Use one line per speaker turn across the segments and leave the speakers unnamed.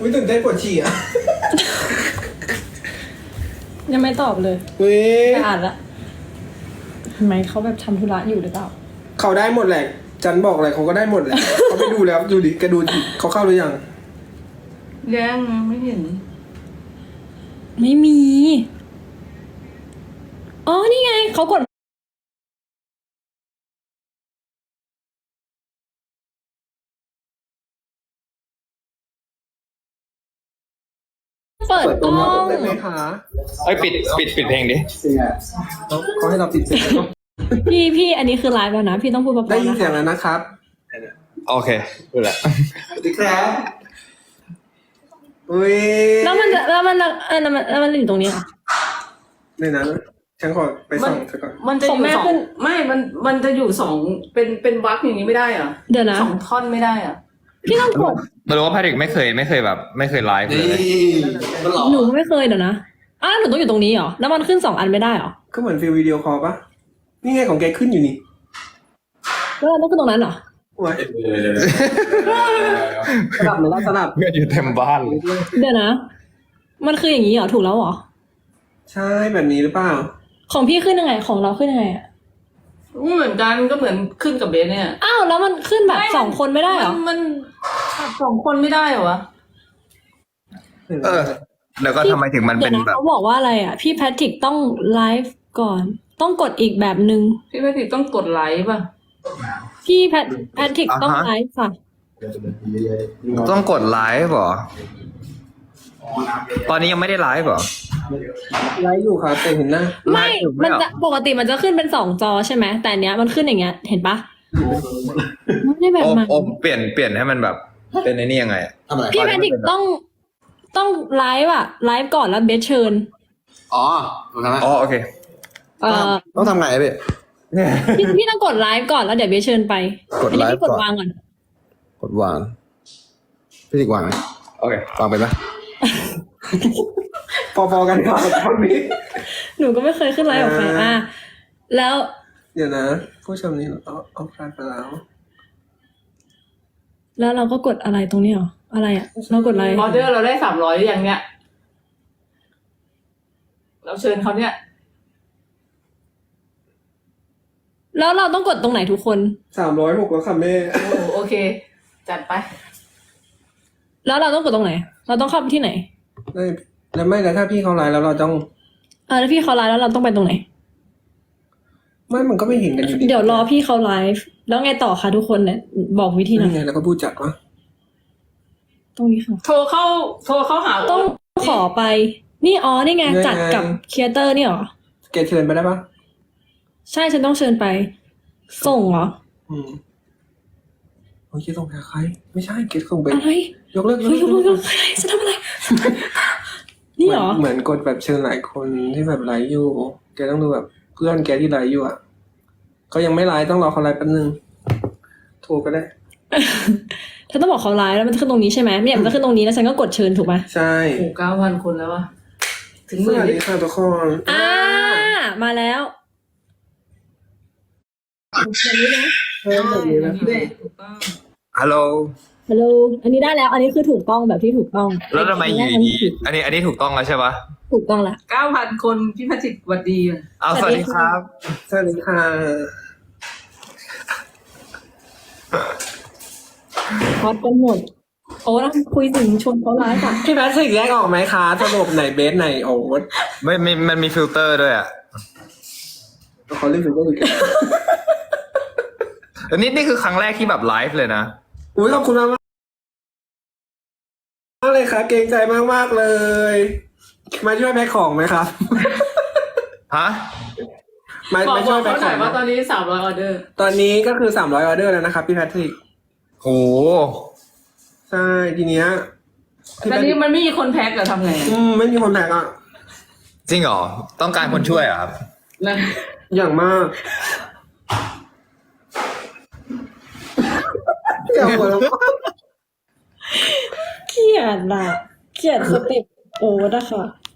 อุ้ยตื่นเต้นปวดฉี่อ่ะ
ยังไม่ตอบเลย
อุ้ย
ไปอ่านละทำไมเขาแบบทำธุระอยู่หรือเปล่า
เขาได้หมดแหละจันบอกอะไรเขาก็ได้หมดแหละ เขาไปดูแล้วดูดิแกดูดิเขาเข้าหรือยัง
ยังไม่เห็น
ไม่มี อ๋อ นี่ไง เขากด เปิดกล้อง
ได้ไหมคะ
เอ้ยปิดเพลงดิ
เขาให้เราปิดเสียงแล้ว
พี่อันนี้คือไลฟ์แล้วนะ พี่ต้องพูดเบา
ได้
ๆ
ยิน
นะ
เสียง
คะ
แล้วนะครับ
โอเคพูดละ
สวัสดีครับอุ้ย
แล้วมันอยู่ตรงนี้เหรอ
ในนั้นฉันขอไปส่องซะก่อน
มันจะอ
ของ
ยู่
แม่
สอง
ขึ้น
ไม่มันจะอยู่สองเป็นวรรคอย่างนี้ไม่ได้เหรอ
เดี๋ยวนะ
สองท่อนไม่ได้เหรอ
พี่ต้องกด
ไม่รู้ว่าแพทริกไม่เคยแบบไม่เคยไลฟ์เลย
หนูไม่เคยเดี๋ยวนะอ้าวหนูต้องอยู่ตรงนี้เหรอ แล้วมันขึ้น2 อันไม่ได้เหรอ
ก็เหมือนฟิลวิดีโอคอลปะนี่ไงของแกขึ้นอยู่นี่
แล้วเราต้องขึ้นตรงนั้นเหรอ
โอ้ยสลับหรือว่าสลับ
เพื่อนอยู่เต็มบ้านเลย
เดี๋ยวนะ มันคืออย่างนี้เหรอ ถูกแล้วเหรอ
ใช่แบบนี้หรือเปล่า
ของพี่ขึ้นยังไง ของเราขึ้นยังไงอะ
เหมือนกันก็เหมือนขึ้นกับเบสเนี่ย
อ้าวแล้วมันขึ้นแบบ
ไม่
2 คนไม่ได้เหรอ
มันสองคนไม่ได้เหรอวะ
เออ แล้วก็ทำไมถึงมัน
เดี๋
เป็
ยวน นะ
แบบ
เขาบอกว่าอะไรอ่ะ พี่แพทริกต้องไลฟ์ก่อน ต้องกดอีกแบบนึง
พี่แพทริกต้องกดไลค์ป่ะ
พี่แพทริกต้องไลฟ์ค่ะ
ต้องกดไลฟ์เหรอ ตอนนี้ยังไม่ได้ไลฟ์เหรอ
ไลฟ์อยู่ครับแต่เห็นหน้า
ไม่
ไม่
มัน
เหรอ
จะปกติมันจะขึ้นเป็น2 จอใช่ไหม แต่อันเนี้ยมันขึ้นอย่างเงี้ย เห็นปะไม่ได้แบบ
โอม
มัน
โอมเปลี่ยนให้มันแบบเป็นไอ้นี่ยังไงอะ
พี่แพทริกต้องไลฟ์อะไลฟ์ก่อนแล้วเบสเชิญ
อ๋อถูกทำไหม
อ๋อโอเค
ต้องทำไงพี่
พี่ต้องกดไลฟ์ก่อนแล้วเดี๋ยวเบสเชิญไป
กดไลฟ์
อันนี้พี่กด
ก่อน
วางก่อน
กดวางพี่ติ๊กวางไหม
โอเค
วางไปไหม
พอๆกันครับตอนนี้
หนูก็ไม่เคยขึ้นไลฟ์กับใครอ่ะแล้ว
เดี๋ยวนะ ผู้ชมนี่เอาพลาดไปแล้ว
แล้วเราก็กดอะไรตรงนี้เหรอ อะไรอ่ะ เรากดอะไร
ออเดอร์เราได้300หรือยังเนี่ย เราเชิญเขาเนี่ย
แล้วเราต้องกดตรงไหนทุกคน
306แล้วค่ะแม่
โอ้โอเค จัดไป
แล้วเราต้องกดตรงไหน เราต้องเข้าไปที่ไหน
ได้แล้วไม่แล้วถ้าพี่เขาไลฟ์แล้วเราต้อง
แล้วพี่เขาไลฟ์แล้วเราต้องไปตรงไหน
ไม่มันก็ไม่เห็นกันอยู่ดี
เดี๋ยวรอพี่เขาไลฟ์แล้วไงต่อคะทุกคนเนี่ยบอกวิธีหน่อ
นี่ไง
ย
แล้วก็พูดจัดว่า
ตรงนี้ค่ะ
โทรเข้าหา
ต้องขอไป นี่อ๋อนี่ไงจัดกับครีเอเตอร์นี่เหรอ
แกเชิญไปได้ปะ
ใช่ฉันต้องเชิญไป ส่งเหรอ
โอ้ยเกส่งไปหาใคร ไม่ใช่เกส่งไป
อะไร
ยกเลิก
เฮ้ยยกอะไรจะทำอะไร นี่เหรอ
เหมือนกดแบบเชิญหลายคนที่แบบไลฟ์อยู่ แกต้องดูแบบเพื่อนแกที่ไลฟ์อยู่อ่ะเขายังไม่ไลฟ์ต้องรอเขาไลฟ์แป๊บนึงโทรก็ได้
เธอต้องบอกเขาไลฟ์แล้วมันจะขึ้นตรงนี้ใช่ไหมเนี่ยมันจะขึ้นตรงนี้แล้วฉันก็กดเชิญถูกไหม
ใช่
โอ้9,000 คนแล้ววะถึง
ส
หมื่น
วัส
ดิ
ดีค่ะทุกคน
มาแล้วแบบนี้นะ
เพิ่มแบบนี้นะ
ถูกต้อง
ฮัลโหล
ฮัลโหลอันนี้ได้แล้ว อันนี้คือถูกต้องแบบที่ถูกต้อง
แล้วทำไมอยู่ดีๆอันนี้ถูกต้องแล้วใช่ปะ
ถูกต้องละ
9,000 คนพี่แพทริกหวัดดีอ่ะ
เอาสวัสดีครับ
สวัสดีค่ะ
ฮอตกันหมดโอ้แล้วคุยถึงชวนเขาไลฟ์อ่ะ
พี่แพทริกแยกออกไหมคะสรุปไหนเบสไหนโอ๊ต
มันมีฟิลเตอร์ด้วยอ่ะ
เขาเรียกถึงก็คือ
แล้วนี่คือครั้งแรกที่แบบไลฟ์เลยนะ
อุ้ยขอบคุณมากมากเลยครับเกรงใจมากๆเลย มาช่วยแพ็คของไหมครับ
ฮะ
มา
บอก
มาช่วยแพ็
เขา
ค
ห
ข
น่
อ
อย
ง
ว่าตอนนี้300ออเดอร์
ตอนนี้ก็คือ300ออเดอร์แล้วนะครับพี่แพทริก
โห
ใช่ทีเนี้ยพี่
ต
แพ
อน
ทริ
นี้
ก
มันไม่มีคนแพ็คเหรอทำไง
ไม่มีคนแพ็คอ่ะ
จริงเหรอ ต้องการคนช่วยเหรอครับ
นะ
อย่างมากเกี่ยวหัวแล้ว
เกลียดอ่ะเกลียดสเต็ปโอ้นะคะ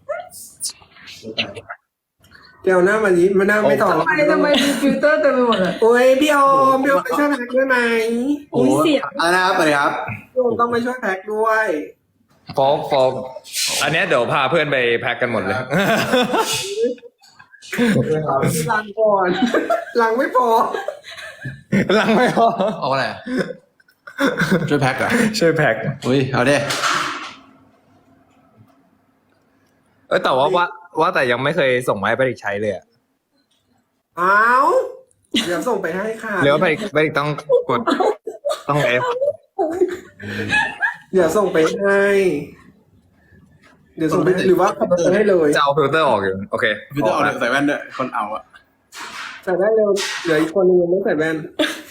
เกี่ยวหน้ามานี้มาหน้าไม่ต่อ
ทำไมมีฟิลเตอร์เต็มไปหมดเลย
โอ้ยพี่ออมไปช่วยแพ็คด้วยไหม
อุ้ยเสียง
อะไรนะครับสวัสดีครับ
พี่ออมต้องไปช่วยแพ็คด้วย
โฟกอันเนี้ยเดี๋ยวพาเพื่อนไปแพ็กกันหมดเลย
ลังก่อนลังไม่พอ
ลังไม่พอ
เอาอะไรอะช่วยแพ็คเหรอ่ะ
ช่วยแพ็ก
อุ้ยเอาดิ
แต่ว่าแต่ยังไม่เคยส่งมาให้ไปใช้เลยอะ
เอาเดี๋ยวส่งไปให้ค่ะ
หรือว่าไปต้องกดต้องเอฟ
เดี๋ยวส่งไปให้ เดี๋ยวส่งไปให้หรือว่าขับรถไปให้เลย
จะเอาฟิลเตอร์ออกอยู่โอเค
พี่ต้องเอาใส่แว่นด้วยคนเอาอะ
ใส่ได้เร็วเหลืออีกคนนึงยังไม่ใส่แว่น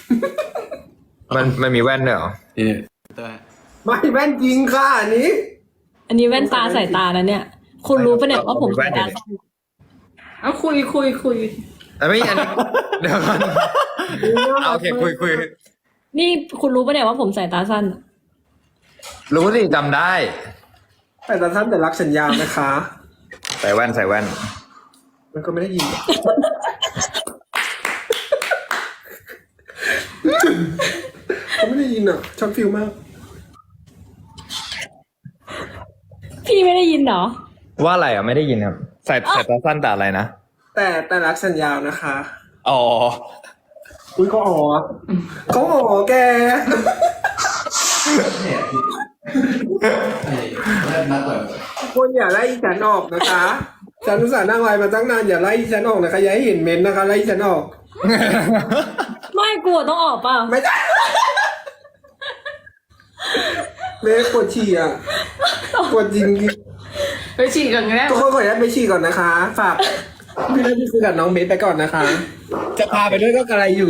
มันมีแว่นด้วยเหรอ
นี่เตอร์
ไม่แว่นจริงค่ะอันนี้
อันนี้แว่นตาสายตาแล้วเนี่ย คุณรู้ปะเนี่ยว่าผมสายตาสั้น
เอาคุย
แต่ไม่อันนี้เดี๋ยวก่อนเอาโอเคคุย
นี่คุณรู้ปะเนี่ยว่าผมสายตาสั้น
รู้สิจำได้
แต่ท่านแต่รักสัญญานะคะ
ใส่แว่น
มันก็ไม่ได้ยินเขาไม่ได้ยินอ่ะชอบฟิลมาก
พี่ไม่ได้ยินเหรอ
ว่าอะไรอ่ะไม่ได้ยินครับใส่ตาสั้นแต่อะไรนะ
แต่รักสัญญานะคะ
อ๋อ
อุ้ยเขาอ๋อเขาอ๋อแก
นัดเลย
คนอย่าไล่ฉันออกนะคะฉันอุตส่าห์นั่งไลน์มาตั้งนานอย่าไล่ฉันออกนะคะอย่าให้เห็นเมนต์นะคะไล่ฉันออก
ไม่กลัวต้องออกเปล่า
ไม่ได้เมย์ปวดฉี่อ่ะปวดจริง
ไปฉี่กันก็ได้
ทุกคนขออนุญาตไปฉี่ก่อนนะคะ ฝากพี่นัทคุยกับน้องเมย์ไปก่อนนะคะ จะพาไปด้วยก็กระไรอยู่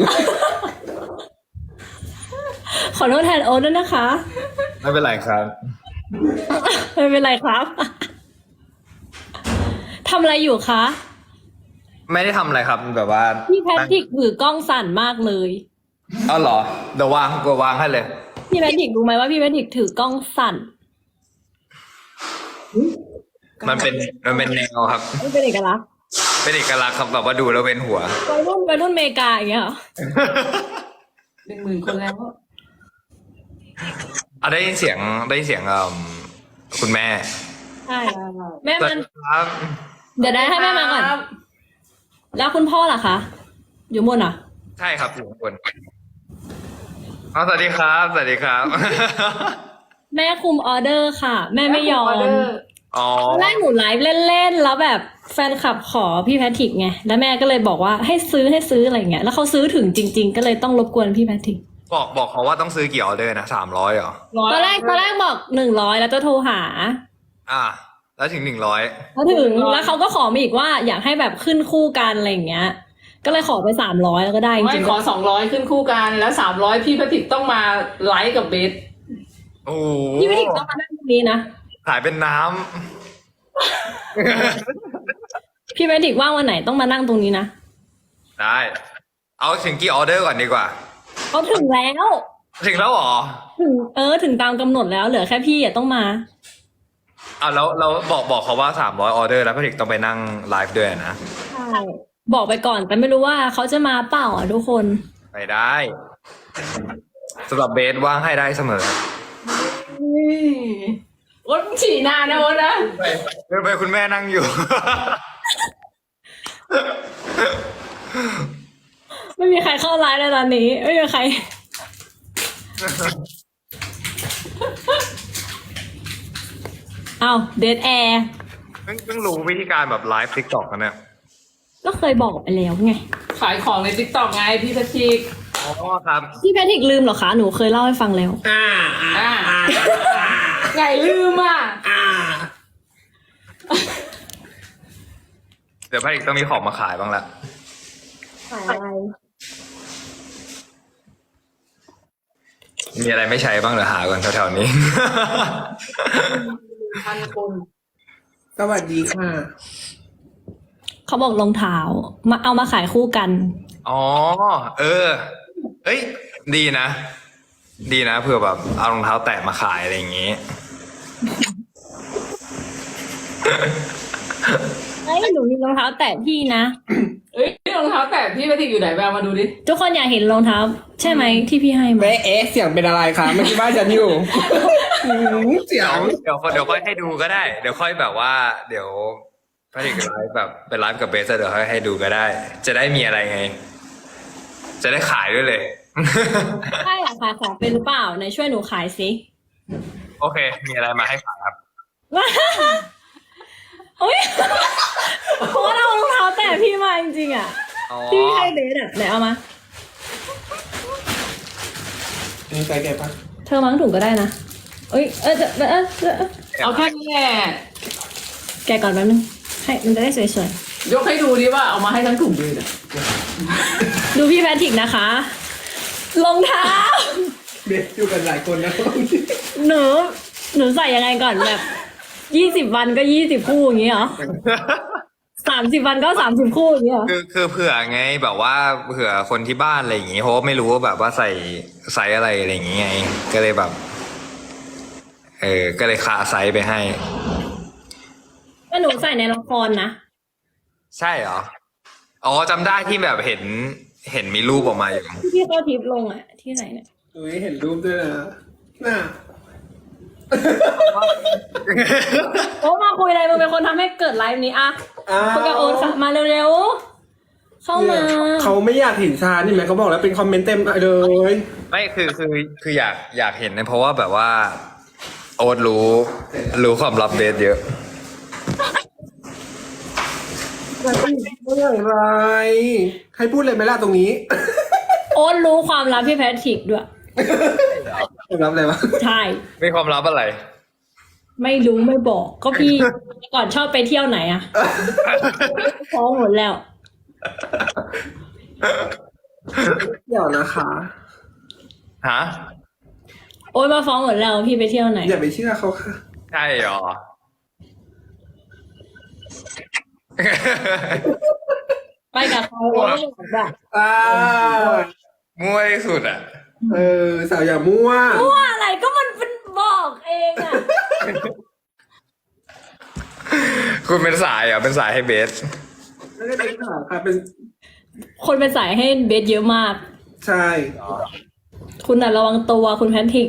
ขอโทษแทนโอ๊ตด้วยนะคะ
ไม่เป็นไรครับ
ไม่เป็นไรครับทำอะไรอยู่คะ
ไม่ได้ทำอะไรครับแบบว่า
พี่แพทริกถือกล้องสั่นมากเลย
เอาเหรอเดี๋ยววางให้เลย
พี่แพทริกรู้ไหมว่าพี่แพทริกถือกล้องสั่น
มันเป็นแนวครับ
ไม่เป็นเอกลักษณ์
เป็นเอกลักษณ์ครับแบบว่าดูแล้วเว้นหัว
วัยรุ่นอเมริกาอย่างเงี้ยเหรอ
10,000 คนแล้ว
ได้ยินเสียงคุณแม่
ใช่แม่
สวั
มั
ส
น
ดีครับ
เดี๋ยวได้ให้แม่มาก่อน แล้วคุณพ่อล่ะคะ อยู่บนอ่ะ
ใช่ครับอยู่ข้างบนอ๋อสวัสดีครับ
แม่คุมออเดอร์ค่ะ แม่ไม่ยอม
อ๋อ
ตอนแรกหนูไลฟ์เล่นๆแล้วแบบแฟนคลับขอพี่แพทริกไงแล้วแม่ก็เลยบอกว่าให้ซื้ออะไรอย่างเงี้ยแล้วเขาซื้อถึงจริง ๆ ก็เลยต้องรบกวนพี่แพทริก
บอกเขาว่าต้องซื้อกี่ออเดอร์นะ300เหรอ
ตอนแรกบอก100แล้วจะโทรหา
แล้วถึง100
แล้วถึงแล้วเขาก็ขอมาอีกว่าอยากให้แบบขึ้นคู่กันอะไรอย่างเงี้ย ก็เลยขอไป300แล้วก็ได้จ
ไม่
ริง
ขอ200ขึ้นคู่กันแล้ว300พี่แพทริกต้องมาไลฟ์กับเบส
โอ้
ๆพี่แพทริกต้องมานั่งตรงนี้นะ
ขายเป็นน้
พี่แพทริกว่างวันไหนต้องมานั่งตรงนี้นะ
ำ ได้ เอาถึงกี่ออเดอร์ก่อนดีกว่า
เขาถึงแล้ว
ถึงแล้วเหรอ
ถึงตามกำหนดแล้วเหลือแค่พี่ต้องมา
แล้วบอกเขาว่า300ออเดอร์แล้วพี่ถึกต้องไปนั่งไลฟ์ด้วยนะ
ใช่บอกไปก่อนแต่ไม่รู้ว่าเขาจะมาเปล่าอ่ะทุกคน
ไปได้สำหรับเบสว่างให้ได้เสมอ
โอ๊ตฉี่นานนะโอ๊ตนะ
ไปคุณแม่นั่งอยู่
ไม่มีใครเข้าไลฟ์ในตอนนี้ไม่มีใคร เอาเดทแอร์
เพิ่งรู้วิธีการแบบไลฟ์ทิกตอกกันเนี่ย
ก็เคยบอกไปแล้วไง
ขายของใน TikTok ไงพี่แพทริก
อ๋อครับ
พี่แพทริกลืมเหรอคะหนูเคยเล่าให้ฟังแล้ว
ไงลืมอ่ะ
เดี๋ยวพี่ถึกต้องมีของมาขายบ้างละ
ขายอะไร
มีอะไรไม่ใช้บ้างเดี๋ยวหาก่อนแถวๆนี้
1,000 คน
สวัสดีค่ะ
เขาบอกรองเท้ามาเอามาขายคู่กัน
อ๋อ เอ้ย ดีนะเผื่อแบบเอารองเท้าแตะมาขายอะไรอย่างงี้
เฮ้ยหนูมีรองเท้าแตะพี่นะ
เอ้ยรองเท้าแตะพี่แพทริกอยู่ไหนไปเอามาดูดิ
ทุกคนอยากเห็นรองเท้า ใช่ไหมที่พี่ให้มา
เอ๊ะเสียงเป็นอะไรคะเมื่อกี้บ้านฉันอยู่เสียง
เดี๋ยวค่อยให้ดูก็ได้ เดี๋ยวค่อยแบบว่า เดี๋ยวพระเอกไลฟ์แบบเป็นไลฟ์กับเบสเดี๋ยวค่อยให้ดูก็ได้ จะได้มีอะไรไง จะได้ขายด้วยเลย
ใช่เหรอคะขายเป็นหรือเปล่าไหนช่วยหนูขายสิ
โอเค มีอะไรมาให้ขายครับ
โอ้ยเพราะว่าเรารองเท้าแตะพี่มาจริงๆอ่ะ
อ๋อ
พี่ให้เบสอ่ะไหนเอามา
นี่ใส่แกปะ
เธอมั้งถุงก็ได้นะเอ้ย
เอาแค่นี้แหละ
แกะก่อนแป๊บนึงให้มันจะได้สวย
ยกให้ดูดิว่าเอามาให้ทั้งถุงเลยนะ
ๆดูพี่แพทริกนะคะรองเท้า
เด็กอยู่กันหลายคนนะ
หนูใส่ยังไงก่อนแบบ20 วันก็20 คู่อย่างงี้เหรอ30 วันก็30 คู่อย่างงี้เหรอ
คือเผื่อไงแบบว่าเผื่อคนที่บ้านอะไรอย่างงี้เพราะว่าไม่รู้ว่าแบบว่าใส่ไซส์อะไรอะไรอย่างงี้ไง ก็เลยแบบ ก็เลยคาไซส์ไปให้
ก็หนูใส่ในละครนะ
ใช่เหรอ อ๋อจำได้ที่แบบเห็นมีรูปออกมาอยู่
ที่เขาทิปลงอ่ะที่ไหนเนี่ย
อุ้ยเห็นรูปด้วยนะน่า
โอ้มาคุยอะไรมึงเป็นคนทำให้เกิดไลฟ์นี้อะคุยกับโอ๊ตค่ะมาเร็วๆเข้ามา
เขาไม่อยากเห็นชานี่ไหมเขาบอกแล้วเป็นคอมเมนต์เต็มเลย
ไม่คืออยากเห็นนะเพราะว่าแบบว่า โอ๊ตรู้ความลับเบสเยอะ
เมื่อไหรให้พูดเลยไหมล่ะตรงนี้
โอ๊ตรู้ความลับพี่แพทริกด้วย
รับอะไรวะ
ใช่
มีความลับอะไร
ไม่รู้ไม่บอกก็พี่ ก่อนชอบไปเที่ยวไหนอะฟ้องหมดแล้ว
เดี๋ยวนะคะ
ฮะ
โอ๊ตมาฟ้องหมดแล้วพี่ไปเที่ยวไหน
อย่าไปเชื่อเขาค่ะ
ใช่เหรอ
ไปกับเขาโอ๊ตก็บอกแบบ
อ่า
มั่วที่สุดอ่ะ
สาวอย่ามั่ว
ว่าอะไรก็มันเป็นบอกเองอะ
คุณเป็นสายเหรอเป็นสายให้เบส
ไม่ได้เป็นข่าวค่ะเป็น
คนเป็นสายให้เบสเยอะมาก
ใช่
คุณน่ะระวังตัวคุณแพทริก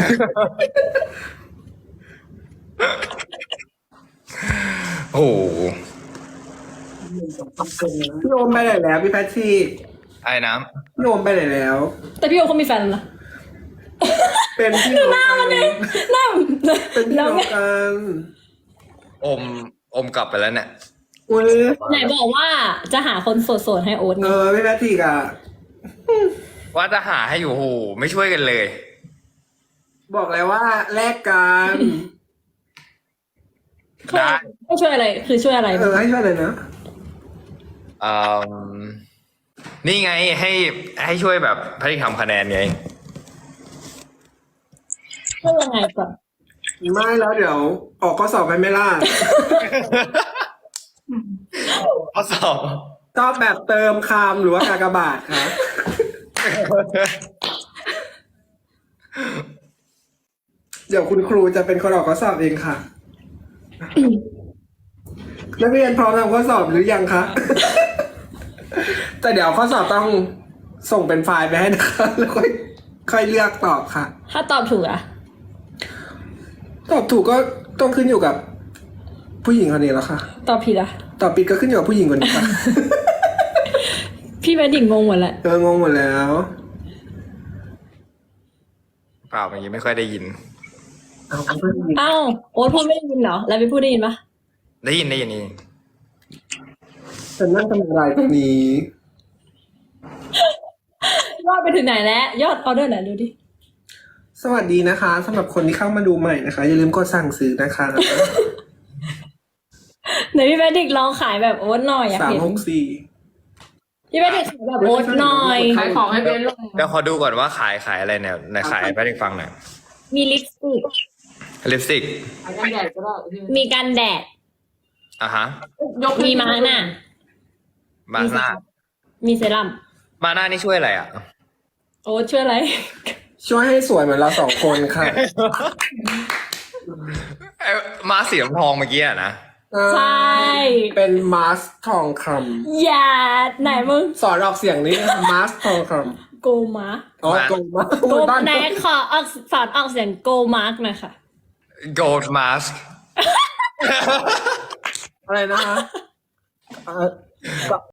โอ้โห
พี่โอมไปไหนแล้วพี่แพทริก
ไอ้น้
พี่โอมไปไหนแล้ว
แต่พี่โอ๊ตเขามีแฟนแล้วนะ
เป็นพี่น้องกัน
น่า
เป็นพี่
แล้
น้
ว
อง
ไง
กัน
ำอมกลับไปแล้วเนี่ย
อุ้ย
ไหนบอกว่าจะหาคนโสดๆให้โอ๊ตไง
พี่แพทริกอ่ะ
ว่าจะหาให้อยู่โหไม่ช่วยกันเลย
บอกแล้วว่าแลกกัน
ได้
ไม่ช่วยอะไรคือช่วยอะไร
ให้ช่วยเลยนะ
อืมนี่ไงให้ช่วยแบบพริกทำคะแนนไง
ช่วยยังไงก่อน
ไม่แล้วเดี๋ยว ออกข้อสอบไปไม่ล่ะ
ข้อสอบ
ชอบแบบเติมคำหรือว่ากากบาทคะเดี๋ยวคุณครูจะเป็นคนออกข้อสอบเองค่ะ นักเรียนพร้อมทำข้อสอบหรือยังคะ แต่เดี๋ยวข้อสอบต้องส่งเป็นไฟล์ไปให้นะคะแล้วค่อยเลือกตอบค่ะ
ถ้าตอบถูกอะ
ตอบถูกก็ต้องขึ้นอยู่กับผู้หญิงคนนี้แล้วค่ะ
ตอบผิดอะ
ตอบผิดก็ขึ้นอยู่กับผู้หญิงคนนี้ค่ะ
พี่แพทริกงงหมดแหละ
งงหมดแล้ว
เปล่าเมื่อกี้ไม่ค่อยได้ยิน
เอาเพื่อนยิง
เอ้าโอ๊ตพูดไม่ได้ยินเหรอแล้วไปพูดได้ยินปะ
ได้ยิน
ฉันนั่งทำอะไรตรงนี้
ยอดไปถึงไหนแล้วยอดออเดอร์ไหนดูดิ
สวัสดีนะคะสำหรับคนที่เข้ามาดูใหม่นะคะ อย่าลืมกดสั่งซื้อนะคะ
ไหนพี่แพทริกลองขายแบบโอ๊ตหน่อยอยากเห็น
364
พี่แพทริกขายแบบโอ๊ตหน่อย
ขายของให้เบนลง
เดี๋ยวขอดูก่อนว่าขายอะไรเนี่ยไหนขายให้พริกฟังหน่อย
มีลิปสติก
ลิปสติก
ขายกันแดดก็ได้
มีกันแดด
อ่ะฮะ
ยกให้
มีมาหน้า
มาหน้า
มีเซรั่ม
มาหน้านี่ช่วยอะไรอ่ะ
โอ๊ตช่วยอะไร
ช่วยให้สวยเหมือนเรา2 คนค่ะ
มาสีน้ำทองเมื่อกี้อะนะ
ใช่
เป็นมาสทองค
อย่าไหนมึง
ำสอนออกเสียงนี้มาสทองค
โกมาร์
ำอ๋อโกมา
โก
บ้าน
ไหนขอออกสอนออกเสียงโกมาร์กหน่อยค่ะ
gold mask
อะไรนะคะ